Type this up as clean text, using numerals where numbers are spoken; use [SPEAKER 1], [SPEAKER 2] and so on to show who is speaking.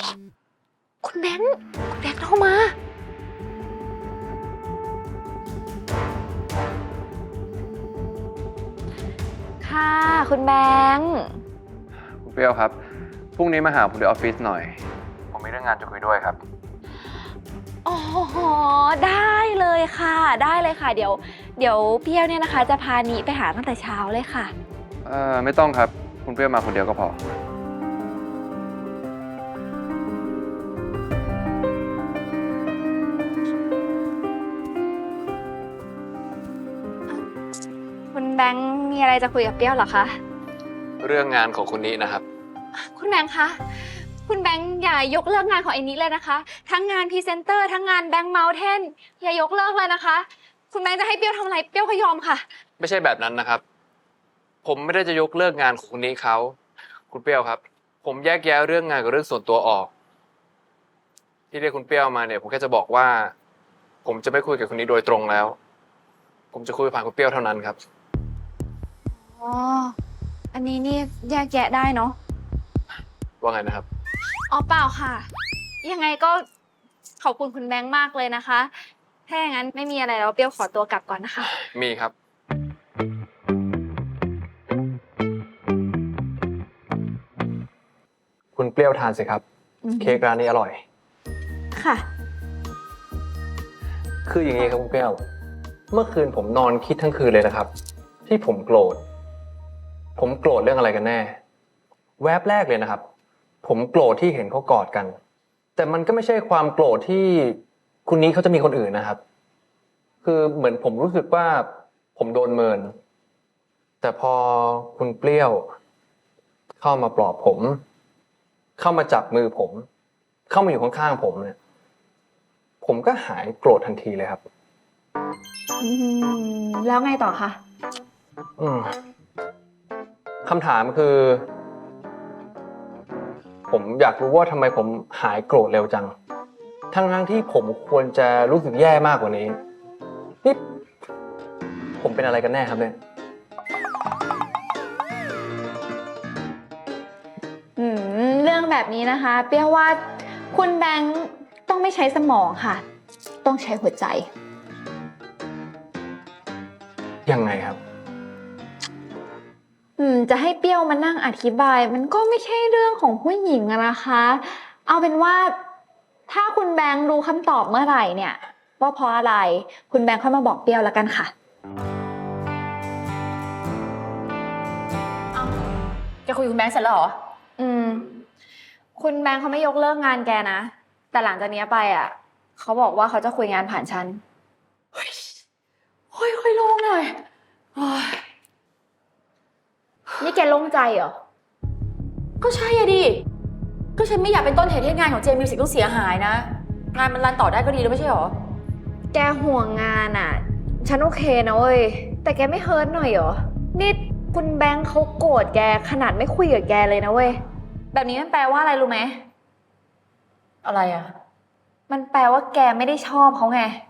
[SPEAKER 1] คุณแบงค์โทรมาค่ะคุณแบงค์
[SPEAKER 2] คุณเปรี้ยวครับพรุ่งนี้มาหาผมที่ออฟฟิศหน่อยผมมีเรื่องงานจะคุยด้วยครับ
[SPEAKER 1] อ๋อได้เลยค่ะได้เลยค่ะเดี๋ยวเปรี้ยวเนี่ยนะคะจะพานิไปหาตั้งแต่เช้าเลยค่ะ
[SPEAKER 2] ไม่ต้องครับคุณเปรี้ยวมาคนเดียวก็พอ
[SPEAKER 1] คุณแบงค์มีอะไรจะคุยกับเปรี้ยวเหรอคะ
[SPEAKER 2] เรื่องงานของคุณนี้นะครับ
[SPEAKER 1] คุณแบงค์คะคุณแบงค์อย่ายกเลิกงานของไอ้นิดเลยนะคะทั้งงานพรีเซนเตอร์ทั้งงานแบงค์เมาเทนอย่ายกเลิกเลยนะคะคุณแบงค์จะให้เปรี้ยวทำอะไรเปรี้ยวก็ยอมค่ะ
[SPEAKER 2] ไม่ใช่แบบนั้นนะครับผมไม่ได้จะยกเลิกงานของคุณนี้เขาคุณเปรี้ยวครับผมแยกแยะเรื่องงานกับเรื่องส่วนตัวออกที่เรียกคุณเปรี้ยวมาเนี่ยผมแค่จะบอกว่าผมจะไม่คุยกับคุณนี้โดยตรงแล้วผมจะคุยผ่านคุณเปรี้ยวเท่านั้นครับ
[SPEAKER 1] อ๋ออันนี้นี่แยกแยะได้เนาะ
[SPEAKER 2] ว่าไงนะครับ
[SPEAKER 1] อ๋อเปล่าค่ะยังไงก็ขอบคุณคุณแบงค์มากเลยนะคะถ้าอย่างนั้นไม่มีอะไรแล้วเปรี้ยวขอตัวกลับก่อนนะคะ
[SPEAKER 2] มีครับคุณเปรี้ยวทานสิครับเค้กร้านนี้อร่อย
[SPEAKER 1] ค่ะ
[SPEAKER 2] คืออย่างนี้ครับคุณเปรี้ยวเมื่อคืนผมนอนคิดทั้งคืนเลยนะครับที่ผมโกรธเรื่องอะไรกันแน่แวบแรกเลยนะครับผมโกรธที่เห็นเขากอดกันแต่มันก็ไม่ใช่ความโกรธที่คุณนี้เขาจะมีคนอื่นนะครับคือเหมือนผมรู้สึกว่าผมโดนเมินแต่พอคุณเปรี้ยวเข้ามาปลอบผมเข้ามาจับมือผมเข้ามาอยู่ข้างๆผมเนี่ยผมก็หายโกรธทันทีเลยครับ
[SPEAKER 1] แล้วไงต่อคะ
[SPEAKER 2] คำถามคือผมอยากรู้ว่าทำไมผมหายโกรธเร็วจังทั้งที่ผมควรจะรู้สึกแย่มากกว่านี้นี่ผมเป็นอะไรกันแน่ครับเนี่ย
[SPEAKER 1] เรื่องแบบนี้นะคะเปรี้ยวว่าคุณแบงค์ต้องไม่ใช้สมองค่ะต้องใช้หัวใจ
[SPEAKER 2] ยังไงครับ
[SPEAKER 1] จะให้เปรี้ยวมานั่งอธิบายมันก็ไม่ใช่เรื่องของผู้หญิงอะนะคะเอาเป็นว่าถ้าคุณแบงค์รู้คำตอบเมื่อไหร่เนี่ยว่าเพราะอะไรคุณแบงค์ค่อยมาบอกเปรี้ยวแล้วกันค่ะ
[SPEAKER 3] แกคุยกับคุณแบงค์เสร็จแล้วเหรอ
[SPEAKER 1] คุณแบงค์เขาไม่ยกเลิกงานแกนะแต่หลังจากนี้ไปอ่ะเขาบอกว่าเขาจะคุยงานผ่านฉัน
[SPEAKER 3] ค่อยๆโล่งหน่อย
[SPEAKER 1] นี่แกโล่งใจเหรอ
[SPEAKER 3] ก็ใช่อะดิก็ฉันไม่อยากเป็นต้นเหตุให้งานของเจมิวสิกต้องเสียหายนะงานมันรันต่อได้ก็ดีแล้วไม่ใช่หรอ
[SPEAKER 1] แกห่วงงานอ่ะฉันโอเคนะเว้ยแต่แกไม่เฮิร์ตหน่อยเหรอนี่คุณแบงค์เขาโกรธแกขนาดไม่คุยกับแกเลยนะเว้ยแบบนี้มันแปลว่าอะไรรู้ไหม
[SPEAKER 3] อะไรอ่ะ
[SPEAKER 1] มันแปลว่าแกไม่ได้ชอบเขาไง